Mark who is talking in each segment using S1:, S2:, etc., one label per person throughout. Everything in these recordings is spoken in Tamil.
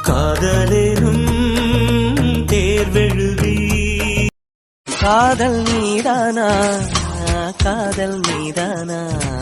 S1: காதலேனும் தேர்வெழுதி காதல் மீதானா காதல் மீதானா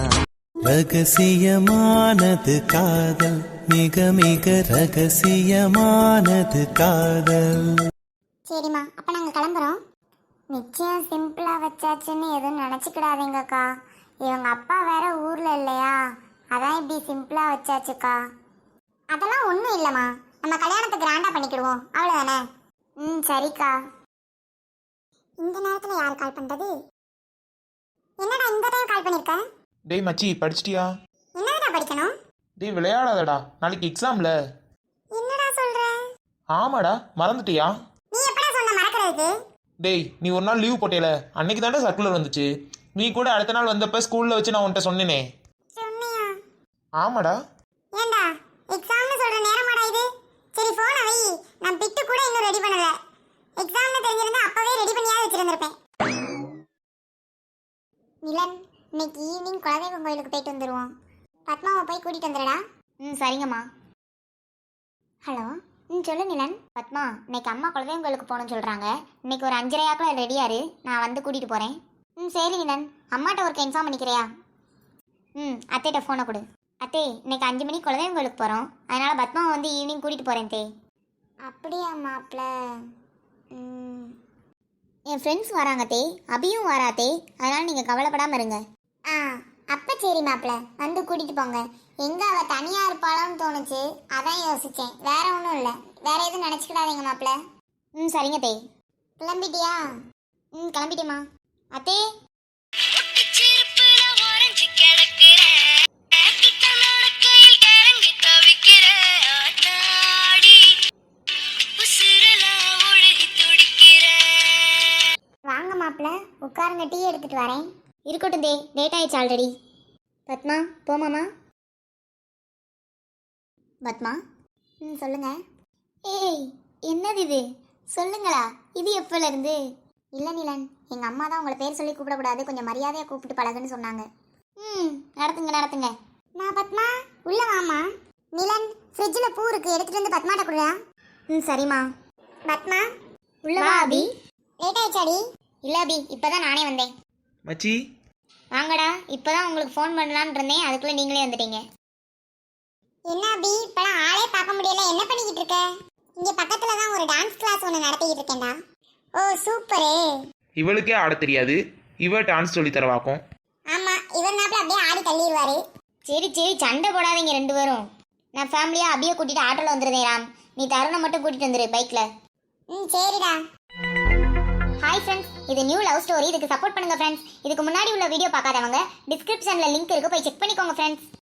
S1: ரகசியமானது காதல் மிக மிக ரகசியமானது காதல்.
S2: சரிம்மா, அப்ப நாங்க கிளம்புறோம். நிச்சயம் சிம்பிளா வச்சாச்சுன்னு எதுவும் நினைச்சுக்கிடாதீங்கக்கா. இவங்க அப்பா வேற ஊர்ல இல்லையா, அதான் இப்படி சிம்பிளா வச்சாச்சுக்கா. அதெல்லாம் ஒண்ணும் இல்லம்மா, நம்ம கல்யாணத்தை கிராண்டா பண்ணிக்கிடுவோம், அவ்வளவுதானே. சரிக்கா. இந்த நேரத்துல யார் கால் பண்றது? என்னடா இந்த டைம் கால் பண்ணிருக்க?
S3: டேய் மச்சி, படிச்சிட்டியா?
S2: என்னடா படிக்கணும்?
S3: டேய் விளையாடாதடா, நாளைக்கு எக்ஸாம்ல.
S2: என்னடா சொல்ற?
S3: ஆமாடா, மறந்துட்டியா?
S2: நீ எப்படா சொன்ன மறக்கிறதுக்கு?
S3: டேய் நீ ஒரு நாள் லீவ் போட்டேல, அன்னைக்கு தானே சர்க்குலர் வந்துச்சு. நீ கூட அடுத்த நாள் வந்தப்ப ஸ்கூல்ல வச்சு நான் உன்கிட்ட சொன்னேனே.
S2: சொன்னியா?
S3: ஆமாடா.
S2: ஏண்டா எக்ஸாம்னு சொல்ற நேரமாடா இது? சரி போன வை, நான் பிட்டு கூட இன்னும் ரெடி பண்ணல. எக்ஸாம்னு தெரிஞ்சிருந்தா அப்பவே ரெடி பண்ணியாவது வச்சிருந்திருப்பேன். நிலன், இன்னைக்கு ஈவினிங் குலதெய்வம் கோயிலுக்கு போயிட்டு வந்துருவோம். பத்மாவை போய் கூட்டிட்டு வந்துடுடா. சரிங்கம்மா. ஹலோ. சொல்லு நிலன். பத்மா, இன்னைக்கு அம்மா குலதெய்வம் கோயிலுக்கு போகணும்னு சொல்கிறாங்க. இன்னைக்கு ஒரு 5:30 ரெடியாரு, நான் வந்து கூட்டிகிட்டு போகிறேன். சரி நிலன், அம்மாட்ட ஒருக்க இன்ஃபார்ம் பண்ணிக்கிறியா? அத்தைகிட்ட ஃபோனை கொடு. அத்தே, இன்னைக்கு 5 மணிக்கு குலதெய்வம் கோயிலுக்கு போகிறோம், அதனால் பத்மாவை வந்து ஈவினிங் கூட்டிகிட்டு போகிறேன் தே. அப்படியா மாப்பிள்ள? என் ஃப்ரெண்ட்ஸ் வராங்க தே, அபியும் வரா தே, அதனால் நீங்கள் கவலைப்படாமல் இருங்க. அப்போ சரி மாப்பிள்ள, வந்து கூட்டிகிட்டு போங்க. எங்கே அவள் தனியாக இருப்பாளான்னு தோணுச்சு, அதான் யோசித்தேன், வேற ஒன்றும் இல்லை. வேற எதுவும் நினச்சிக்கிடாதீங்க மாப்பிள்ள. சரிங்க தே. கிளம்பிட்டியா? கிளம்பிட்டேம்மா. அத்தே. வாங்க மாப்பிள்ள, உட்காருங்க, டீ எடுத்துட்டு வரேன். இருக்கட்டும் தே, லேட் ஆயிடுச்சு ஆல்ரெடி. பத்மா, போமாமா. பத்மா. சொல்லுங்க. ஏய், என்னது இது? சொல்லுங்களா, இது எப்போல இருந்து? இல்லை நிலன், எங்கள் அம்மா தான் உங்களை பேர் சொல்லி கூப்பிடக்கூடாது, கொஞ்சம் மரியாதையாக கூப்பிட்டு பழகுன்னு சொன்னாங்க. நடத்துங்க நடத்துங்க. நான் பத்மா, உள்ள வாமா. நிலன், ஃப்ரிட்ஜில் பூ இருக்கு, எடுத்துட்டு வந்து பத்மாட்ட கொடுறா. சரிம்மா. பத்மா, உள்ள வா. அபி, லேட் ஆயிடுச்சாடி? இல்லை அபி, இப்போதான் நானே வந்தேன்.
S3: மச்சி
S2: வாங்கடா, இப்போதான் உங்களுக்கு ஃபோன் பண்ணலான்னு இருந்தேன், அதுக்குள்ளே நீங்களே வந்துட்டீங்க. என்ன அபி, இப்போலாம் ஆளே பார்க்க முடியல, என்ன பண்ணிக்கிட்டு இருக்க? இங்கே பக்கத்தில் தான் ஒரு டான்ஸ் கிளாஸ் ஒன்று நடத்திக்கிட்டு இருக்கேன்டா. ஓ சூப்பரு.
S3: இவளுக்கே ஆட தெரியாது, இவ டான்ஸ் சொல்லி தரவாக்கும்.
S2: ஆமாம், இவர் நாப்பில் அப்படியே ஆடி தள்ளிடுவாரு. சரி சரி, சண்டை போடாதீங்க ரெண்டு பேரும். நான் ஃபேமிலியாக அபியை கூட்டிகிட்டு ஆட்டோவில் வந்துருந்தேன் ராம், நீ தருணை மட்டும் கூட்டிகிட்டு வந்துரு பைக்கில். சரிடா. ஹாய் ஃப்ரெண்ட்ஸ், இது நியூ லவ் ஸ்டோரி, இதுக்கு சப்போர்ட் பண்ணுங்க ஃப்ரெண்ட்ஸ். இதுக்கு முன்னாடி உள்ள வீடியோ பார்க்காதவங்க டிஸ்கிரிப்ஷனில் லிங்க் இருக்கு, போய் செக் பண்ணிக்கோங்க ஃப்ரெண்ட்ஸ்.